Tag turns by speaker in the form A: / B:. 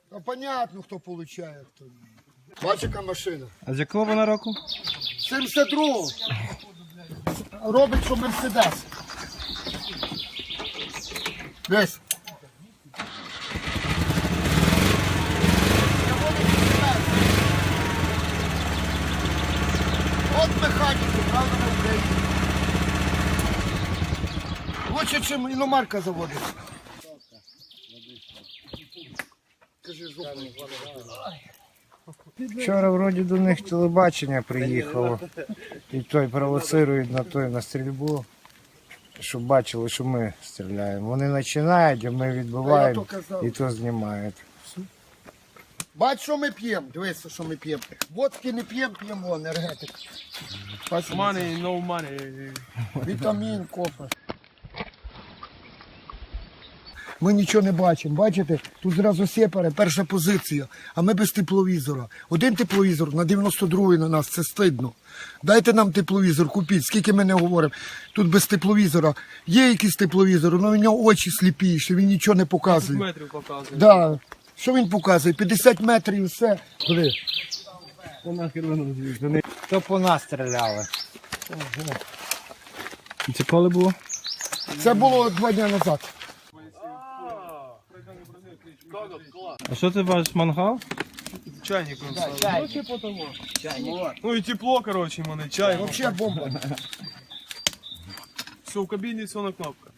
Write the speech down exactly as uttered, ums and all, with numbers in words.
A: А понятно, хто получає. Хто. Бачиш, яка машина.
B: А з якого вона року?
A: сімдесят другого. Робить, що Мерседес. Десь. От механіки, правда, на Україні. Лучше, чим іномарка заводить. Кажи, жопу.
C: Вчора вроді до них телебачення приїхало. І той провоцирують на той на стрільбу, щоб бачили, що ми стріляємо. Вони починають, а ми відбиваємо і то знімають.
A: Бач, що ми п'ємо. Дивися, що ми п'ємо. Водки не п'ємо, п'ємо енергетик.
D: Money, no money.
A: Вітамін, кофе. Ми нічого не бачимо. Бачите, тут зразу сепари, перша позиція, а ми без тепловізора. Один тепловізор на дев'яносто другий на нас, це стидно. Дайте нам тепловізор, купіть, скільки ми не говоримо. Тут без тепловізора. Є якийсь тепловізор, але в нього очі сліпі, що він нічого не показує.
D: Метрів показує.
A: Да. Що він показує? п'ятдесят метрів і все. Куди?
C: То по нас стріляли.
B: І це коли було?
A: Це було два дні назад.
B: А що це ваш мангал?
D: Чайник он ставил. Ну, типа того. Чайник. Ну и тепло, короче, ему на чай.
A: Взагалі бомба.
D: Все, в кабине все на кнопках.